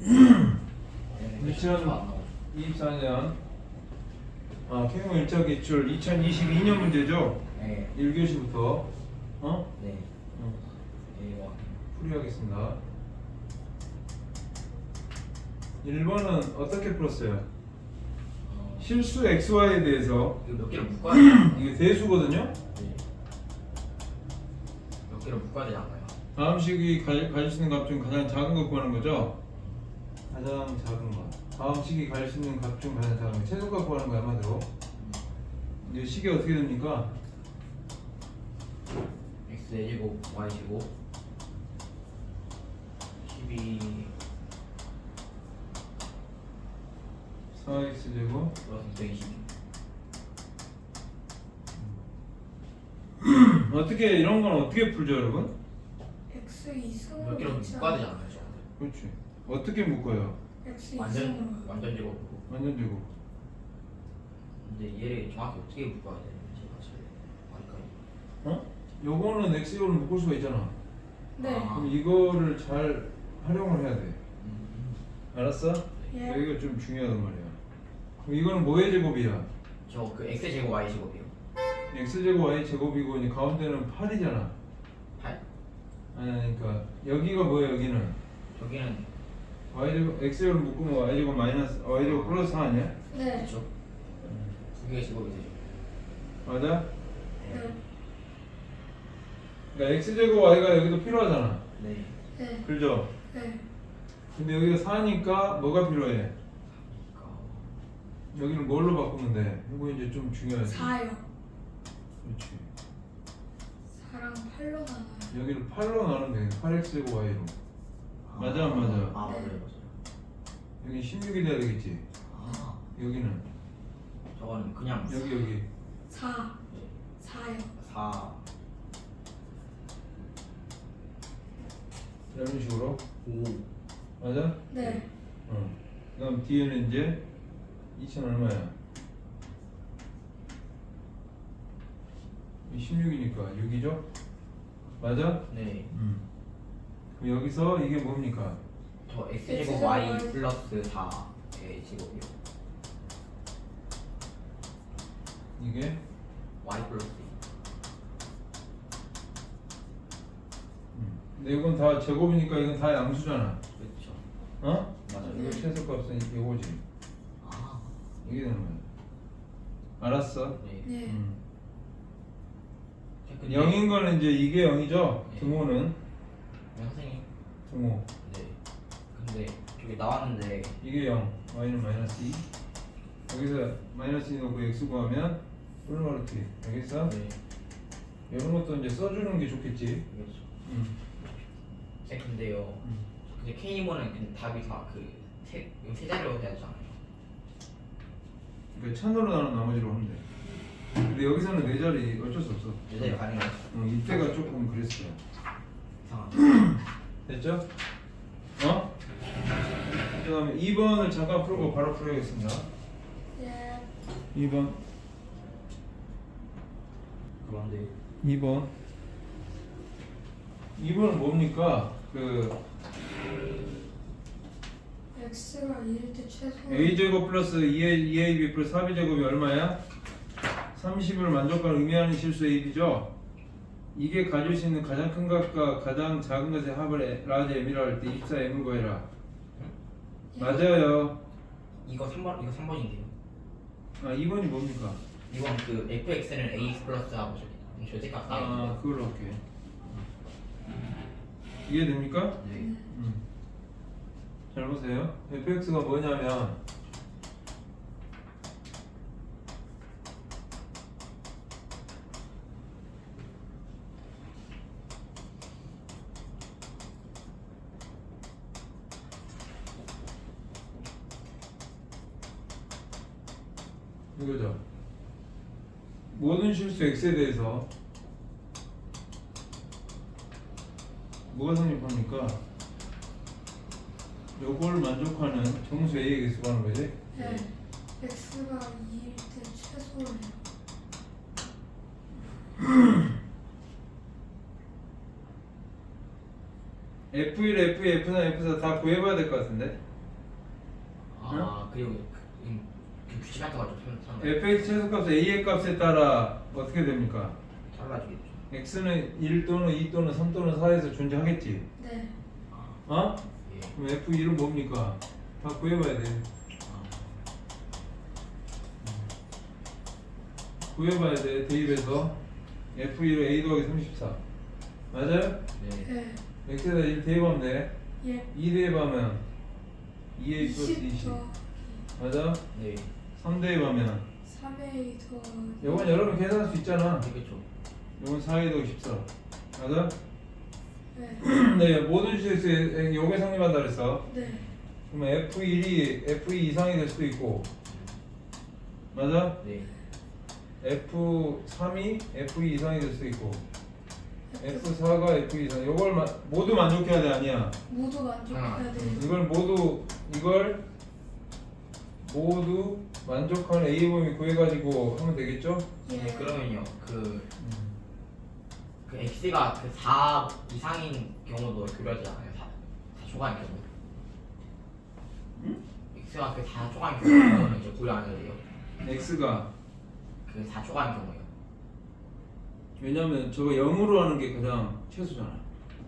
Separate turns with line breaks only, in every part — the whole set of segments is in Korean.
2024년 K형 1차 기출 2022년 문제죠?
네.
1교시부터
네.
풀이하겠습니다. 1번은 어떻게 풀었어요? 실수 xy에 대해서
이거 몇 개를 묶어야 되나요?
이게 대수거든요?
네. 몇 개를 묶어야 되지 않나요?
다음 식이 가질 수 있는 값 중 가장 작은 거 구하는 거죠? 가장 작은 거. 다음 식이 가질 수 있는 값 중 가장 작은 거. 최소값 구하는 거야, 한마디로. 이 식이 어떻게 됩니까?
x제곱 y제곱 12
4x제곱
플러스 220.
어떻게 이런 건 어떻게 풀죠, 여러분?
X 2승으로
몇 개를 묶어야 되지 않나요? 저거?
그렇지. 어떻게 묶어요?
X
완전 제곱으로.
완전 제곱.
근데 얘를 정확히 어떻게 묶어야 돼? 제가 잘 아니까.
요거는 x제곱을 묶을 수가 있잖아.
네.
아.
그럼 이거를 잘 활용을 해야 돼. 알았어?
예.
여기가 좀 중요하단 말이야. 그럼 이거는 뭐의 제곱이야?
저그 x제곱 y제곱이요.
x제곱 y제곱이고 이제 가운데는 8이잖아.
8?
아니 그러니까 여기가 뭐야 여기는?
저기는
y제곱 x제곱을 묶으면 y제곱 마이너스 y제곱 플러스 4 아니야?
네.
그렇죠. 두 개의 제곱이 되죠.
맞아?
네.
그러니까 x제곱 y가 여기도 필요하잖아.
네.
네.
그죠?
네.
근데 여기가 4니까 뭐가 필요해?
그러니까
여기는 뭘로 바꾸면 돼? 이거 이제 좀 중요하지.
4요.
그렇지.
4랑 8로 나눠요.
여기를 8로 나누면 돼. 8x제곱 y로. 맞아 안 맞아?
아 맞아요
네.
맞아요.
여기 16이 돼야 되겠지.
아
여기는
저건 그냥
여기
4. 4요.
4
이런 식으로
5
맞아?
네.
그다음 뒤에는 이제 2천 얼마야? 16이니까 6이죠? 맞아?
네.
그럼 여기서 이게 뭡니까?
저 x제곱
x제곱
y
y.
플러스 4의 제곱이요.
이게
y 플러스 2.
근데 이건 다 제곱이니까 이건 다 양수잖아.
그렇죠.
어?
맞아요.
이거 최소값은 이거지.
아.
이게 되는 거야. 알았어?
네.
네.
근데
0인 거는 이제 이게 0이죠?
네.
등호는
네, 선생님.
등호.
네. 근데 저기 나왔는데
이게 0, y는 마이너스 2. 여기서 마이너스 2 넣고 x 구하면 얼마로 어떻게? 알겠어?
네.
이런 것도 이제 써주는 게 좋겠지.
그렇죠.
음.
근데요. 근데 K모는 근데 답이 다그세 자리로 해야 되잖아요.
그러니까 천으로 나눈 나머지로 하면 돼. 근데 여기서는 네 자리 어쩔 수 없어.
네 자리 가능해요.
이때가 조금 그랬어요.
이상하죠.
됐죠? 그 다음에 2번을 잠깐 풀고 바로 풀어야겠습니다.
예.
2번.
그런데
2번. 2번은 뭡니까?
X가 2일 때 최소.
a제곱 플러스 2ab 플러스 4b제곱이 얼마야? 30을 만족하는 의미하는 실수 ab죠? 이게 가질 수 있는 가장 큰 값과 가장 작은 것의 합을 라지 m이라 할 때 24m을 구해라.
예.
맞아요.
이거 3번인데요.
2번이 뭡니까?
이건 그 fx는 ax 플러스하고 절대값 따위.
그걸로 할게. 이해됩니까?
네.
잘 보세요. fx가 뭐냐면 이거죠. 모든 실수 x에 대해서 뭐가 성립합니까? 요걸 만족하는 정수 a에게 수하는 거지?
네. X가 2일 때 최소예요.
F1, F2, F3, F4 다 구해봐야 될 것 같은데?
아 그리고 그 규칙 같은 거좀
fx 최소값 a의 값에 따라 어떻게 됩니까?
달라지겠죠.
x는 1 또는 2 또는 3 또는 4에서 존재하겠지.
네.
어?
예.
그럼 f2는 뭡니까? 다 구해봐야 돼. 구해봐야 돼. 대입해서 f2로 a 더하기 34 맞아요?
네.
네.
x에다 1 대입하면 돼.
예.
2 대입하면 2a 플러스
20
20
더하기
맞아?
네.
3 대입하면
3A 더하기
이건 여러분 계산할 수 있잖아.
그렇죠.
이건 4a 더하기 14 맞아?
네.
네, 모든 주제수에 요게 성립한다 그랬어.
네.
그러면 F1이 F2 이상이 될 수도 있고 맞아?
네.
F3이 F2 이상이 될 수도 있고 F4가 F2 이상 요걸 모두 만족해야 돼 아니야?
모두 만족해야 돼요.
이걸 모두 만족하는 A 범위 구해가지고 하면 되겠죠?
예.
네, 그러면요 그 x가 그 4 이상인 경우도 교류하지 않아요? 4 초과인 경우. x가 그 4 초과인 경우는 이제 고려 안 해도 돼요.
X가
그 4 초과인 경우요.
왜냐면 저거 0으로 하는 게 가장 최소잖아.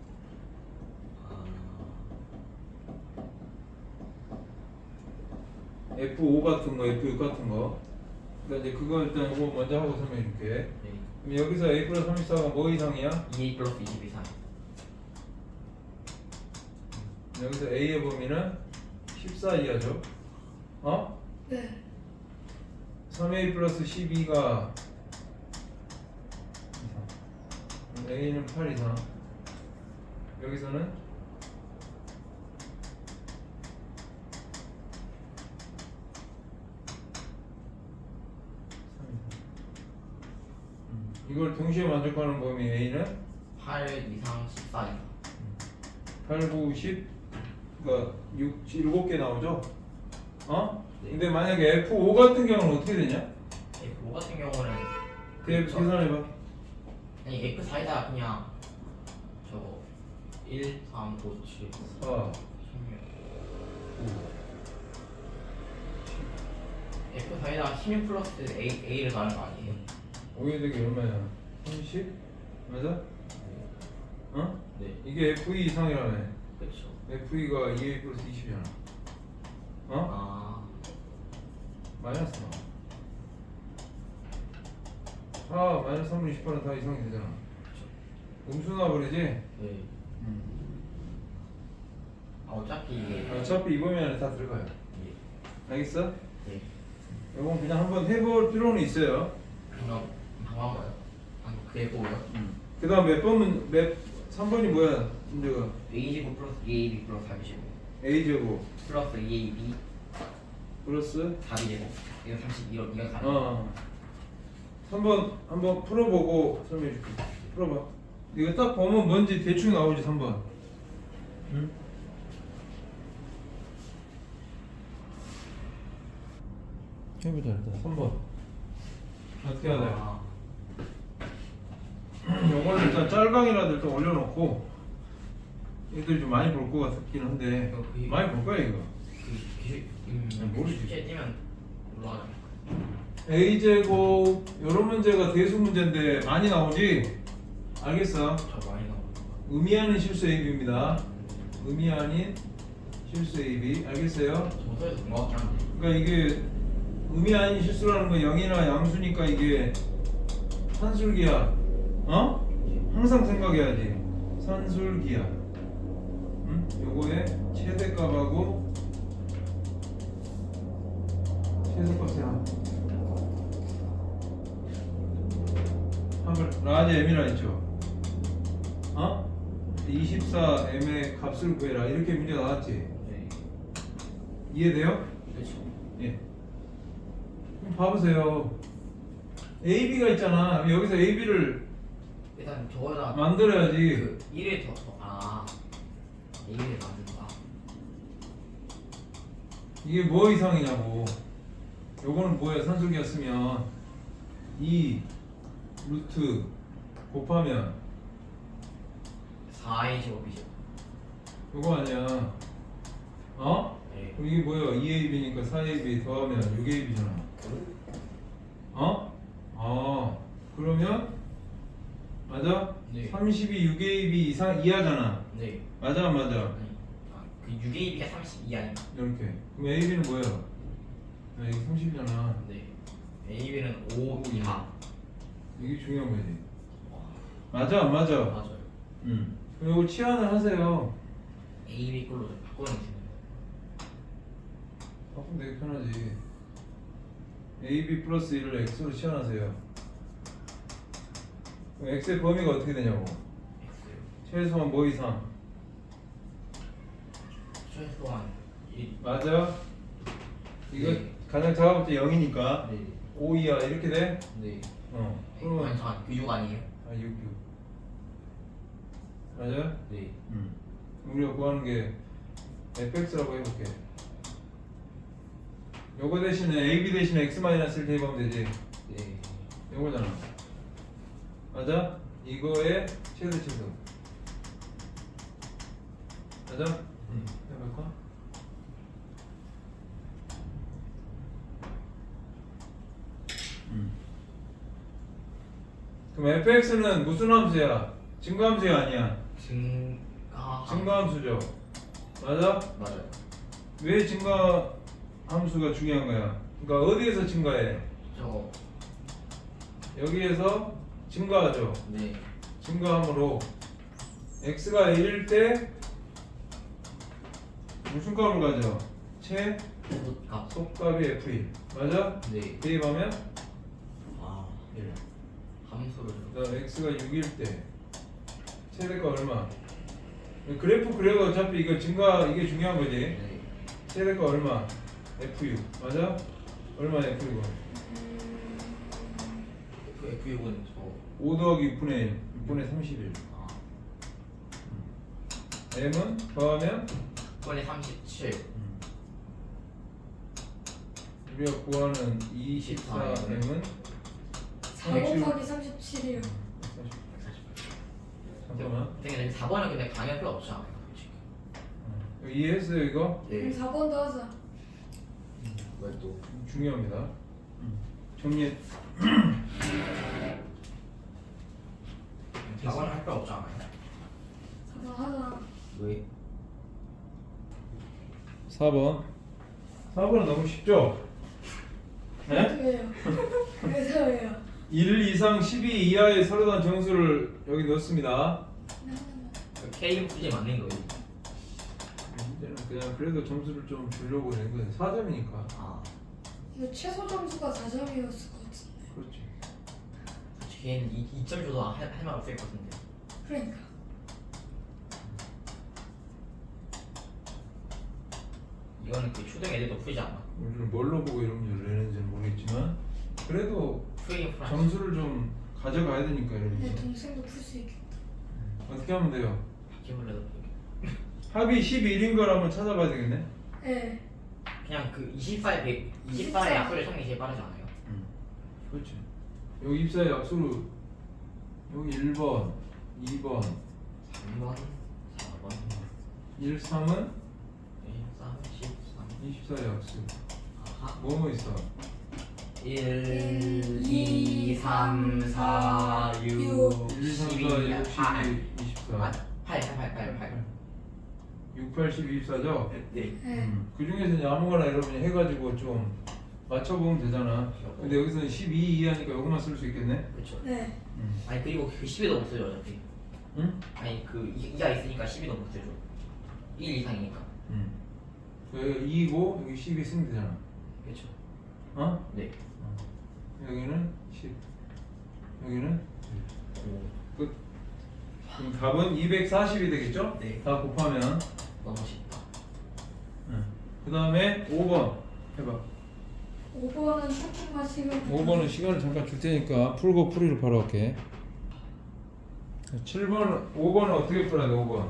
F5 같은 거, F6 같은 거. 그러니까 이제 그거 일단 이거 먼저 하고 설명해 줄게.
네.
그럼 여기서 A 플러스 34가 뭐 이상이야?
2a 플러스 20 이상.
여기서 A의 범위는 14 이하죠. 어?
네.
3A 플러스 12가 A는 8 이상. 여기서는 이걸 동시에 만족하는 범위 A는
8 이상 14 이상.
8, 9, 10 그러니까 7개 나오죠? 어?
네.
근데 만약에 F5 같은 경우는 어떻게 되냐?
F5 같은 경우는
계산해봐.
아니 F4에다 그냥 저거 1, 3, 5, 7,
4,
16 F4에다 16 플러스 A를 넣는 거 아니에요?
5에 되기 얼마야? 30? 맞아? 어?
네.
이게 F2 이상이라며.
그렇죠.
F2가 2A 플러스 20이잖아. 어?
아
마이너스 나. 마이너스 3분 20%는 다 이상이 되잖아. 음수 나버리지?
네. 아 어차피 이게
어차피 이 범위 안에 다 들어가요.
예.
알겠어?
네.
이건 그냥 한번 해볼 필요는 있어요.
그냥 방한 거요? 방금 그 F5요?
그 다음 몇 번은 3번이 뭐야? 문제가
A제곱 플러스 2AB 플러스 4B제곱
A제곱
플러스 2AB
플러스
4B제곱 이거 30 이건 4
어 3번 한번 풀어보고 설명해 줄게. 풀어봐. 이거 딱 보면 뭔지 대충 나오지 3번. 응? 해보자 일단 3번 어떻게 해야 돼? 요거는 일단 짤강이라도 일단 올려놓고 애들이 좀 많이 볼 것 같긴 한데 많이 볼 거야 이거. 모르지.
숙제 띄면 올라가죠.
A제곱 요런 문제가 대수 문제인데 많이 나오지? 알겠어?
저 많이 나오는 거.
의미 아닌 실수 AB입니다. 의미 아닌 실수 AB 알겠어요?
저서에서 본 거 같긴 한데.
그러니까 이게 의미 아닌 실수라는 건 0이나 양수니까 이게 산술기야. 어? 항상 생각해야지. 산술기야. 응? 요거의 최대값하고 최소값의 합을 라지 m이라 했죠. 어? 24m의 값을 구해라 이렇게 문제 나왔지.
네.
이해돼요?
그렇죠.
예. 그럼 봐보세요. AB가 있잖아. 여기서 AB를
일단 저거다
만들어야지.
그 1을 더아 1을 만든다.
이게 뭐 이상이냐고. 요거는 뭐야? 산술기가 쓰면 2 루트 곱하면
4A 제곱이죠.
요거 아니야. 어?
네.
그럼 이게 뭐야? 2ab니까 4ab 더하면 6ab잖아. 어? 그러면 맞아?
네.
32 6ab 이상 이하잖아.
네.
맞아 안 맞아?
아니, 그 6AB가 32 아닌가?
이렇게. 그럼 ab는 뭐야? 아, 이게 30이잖아.
네. AB는 5 이하.
이게 중요한 거지.
와,
맞아 안 맞아?
맞아요.
그럼 이거 치환을 하세요.
AB 걸로 바꾸는 게
바꾸면 되게 편하지. ab 플러스 1을 x로 치환하세요. 그럼 x의 범위가 어떻게 되냐고?
X.
최소한 뭐 이상?
최소한 1.
맞아? 이거
네.
가장 작아봤자 0이니까
네.
5 이하 이렇게 돼?
네.
그러면
아니, 잠깐, 그 6 아니에요?
6 맞아?
네.
우리가 구하는 게 fx라고 해볼게. 요거 대신에 ab 대신에 x-1 대입하면 되지.
네.
요거잖아. 맞아? 이거의 최대. 맞아? 해볼까? 그럼 fx는 무슨 함수야? 증가함수야 아니야? 증가함수죠. 맞아?
맞아요.
왜 증가함수가 중요한 거야? 그러니까 어디에서 증가해?
저.
여기에서 증가하죠.
네.
증가함으로 x가 1일 때 무슨 값을 가져?
값.
속값이 f1 맞아?
네.
대입하면
아, 1. 함수를.
그다음 x가 6일 때 최대값 얼마? 그래프 그래도 어차피 이거 증가 이게 중요한 거지.
네.
최대값 얼마? f6 맞아? 얼마 f6은?
F6은 저.
5 더하기 6분의 6분의 31
아.
m은 더하면
6분의 37.
우리가 구하는 24m은
4 곱하기 37이요.
잠깐만
근데 4번은 근데 강의 필요 없지 않아요? 솔직히.
이해했어요 이거?
그럼 4번도 하자.
왜 또?
중요합니다. 정리
4번은 할 필요 없지 않아요?
4번 하자.
왜?
4번 4번은 너무 쉽죠? 네?
왜요? 그래서 왜요?
1 이상 12 이하의 서로 다른 정수를 여기 넣습니다.
K 수지 맞는 거예요?
문제는 그냥 그래도 점수를 좀 주려고 낸 거예요. 4점이니까.
아,
이거 최소 점수가 4점이었을 것 같은데.
그렇지.
솔직히 걔는 2점 줘도 할 말 없을 것 같은데.
그러니까.
이거는 그 초등 애들도 풀지 않아?
우리는 뭘로 보고 이런 문제를 내는지는 모르겠지만 그래도
풀긴 풀.
점수를 좀 가져가야 되니까
내
이러면서
동생도 풀 수 있겠다.
어떻게 하면 돼요?
바퀴벌레도 풀.
합이 11인 걸 한번 찾아봐야 되겠네.
네.
그냥 그 24의 24의 약수를 찾는 게 제일 빠르지 않아요?
그렇지. 여기 입사의 약수로 여기 1번, 2번,
3번, 4번,
1, 3은
13,
24의 약수.
아하.
뭐뭐 있어?
1, 2, 3, 4, 6,
1, 3, 4,
12,
6,
8.
12, 24.
8.
6, 8, 12, 24죠?
네.
네.
그 중에서 이제 아무거나 여러분이 해가지고 좀 맞춰보면 되잖아. 근데 여기서는 12 이하니까 이것만 쓸 수 있겠네?
그렇죠.
네.
아니 그리고 그 10에도 못 쓰죠 어차피.
응?
아니 그 2가 있으니까 12도 못 쓰죠. 1 이상이니까.
응. 여기 2고 여기 12 쓰면 되잖아.
그렇죠.
어?
네.
여기는 10. 여기는
오.
끝. 그럼 답은 240이 되겠죠?
네.
다 곱하면.
너무 쉽다.
그 다음에 5번 해봐.
5번은 조금만 시간.
5번은 시간을 잠깐 줄 테니까 풀고 풀이를 바로 할게. 7번, 5번은 어떻게 풀어야 돼? 5번.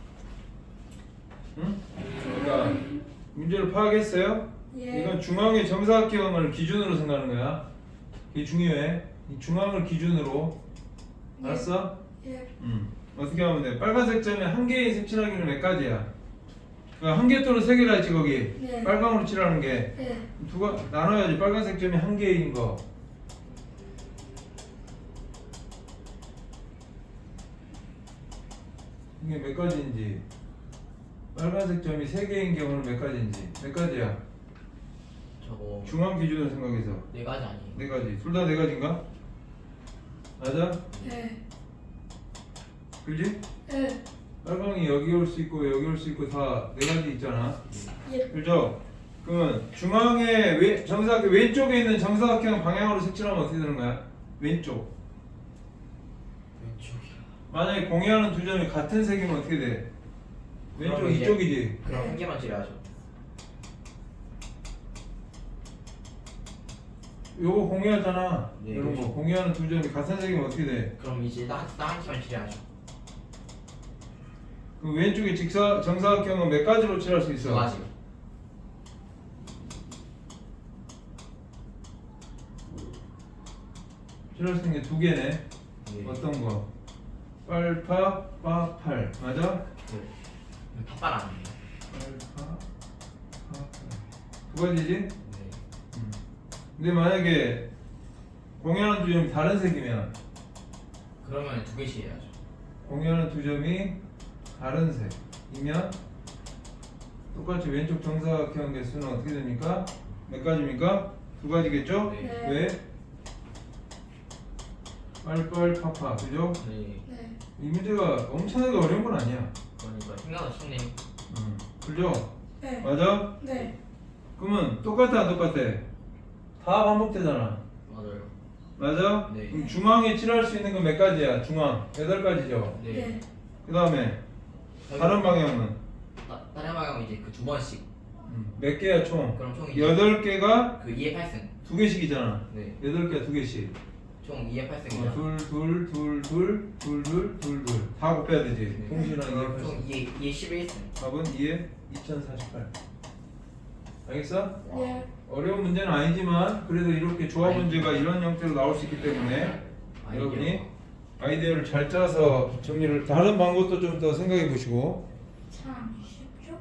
응? 그러니까 문제를 파악했어요?
예.
이건 중앙의 정사각형을 기준으로 생각하는 거야. 이게 중요해. 이 중앙을 기준으로. 알았어?
예.
어떻게 하면 돼? 빨간색 점에 한 개의 색칠하기는 몇 가지야? 한 개 또는 세 개라 했지 거기.
네.
빨강으로 칠하는 게.
네.
두가 나눠야지. 빨간색 점이 한 개인 거. 이게 몇 가지인지. 빨간색 점이 세 개인 경우는 몇 가지인지. 몇 가지야?
저거
중앙 기준으로 생각해서.
네 가지 아니에요?
네 가지. 둘 다 네 가지인가? 맞아?
네.
그지?
네.
빨강이 여기 올 수 있고 여기 올 수 있고 다 네 가지 있잖아.
예.
그죠? 그러면 중앙에 정사각형 왼쪽에 있는 정사각형 방향으로 색칠하면 어떻게 되는 거야? 왼쪽.
왼쪽이요.
만약에 공유하는 두 점이 같은 색이면 어떻게 돼? 왼쪽
그럼 이제-
이쪽이지.
그럼 한 개만 칠해야죠.
요거 공유하잖아.
네,
이런 거
그렇죠.
공유하는 두 점이 같은 색이면 어떻게 돼?
그럼 이제 한 개만 칠해야죠.
그 왼쪽에 정사각형은 몇 가지로 칠할 수 있어?
두 가지.
칠할 수 있는 게 두 개네.
네.
어떤 거? 빨파, 빠팔. 맞아?
네. 팥발 아니에요?
빨파, 빠팔. 두 가지지?
네.
근데 만약에 공유하는 두 점이 다른 색이면
그러면 두 개씩 해야죠.
공유하는 두 점이 다른 색이면 똑같이 왼쪽 정사각형 개수는 어떻게 됩니까? 몇 가지입니까? 두 가지겠죠?
네.
왜? 빨빨파파 그죠?
네.
네.
이 문제가 엄청나게 어려운 건 아니야.
그러니까 생각보다 쉽네요.
그죠?
네.
맞아?
네.
그러면 똑같아 안 똑같아? 다 반복되잖아.
맞아요.
맞아?
네.
그럼 중앙에 칠할 수 있는 건 몇 가지야? 중앙 8가지죠?
네.
네.
그 다음에 다른 방향은
다른 방향은 이제 그 두 번씩.
몇 개야 총?
그럼 총 이제
8개가
그 2의 8승.
두 개씩이잖아.
네.
8개가 두 개씩.
총 2의 8승이죠.
둘 다 곱해야 되지.
네.
동시라는
그럼
게
총 2의 11승.
답은 2에 2048. 알겠어?
네.
어려운 문제는 아니지만 그래도 이렇게 조합 문제가 이런 형태로 나올 수 있기 때문에 여러분이 아이디어를 잘 짜서 정리를 다른 방법도 좀 더 생각해 보시고
참.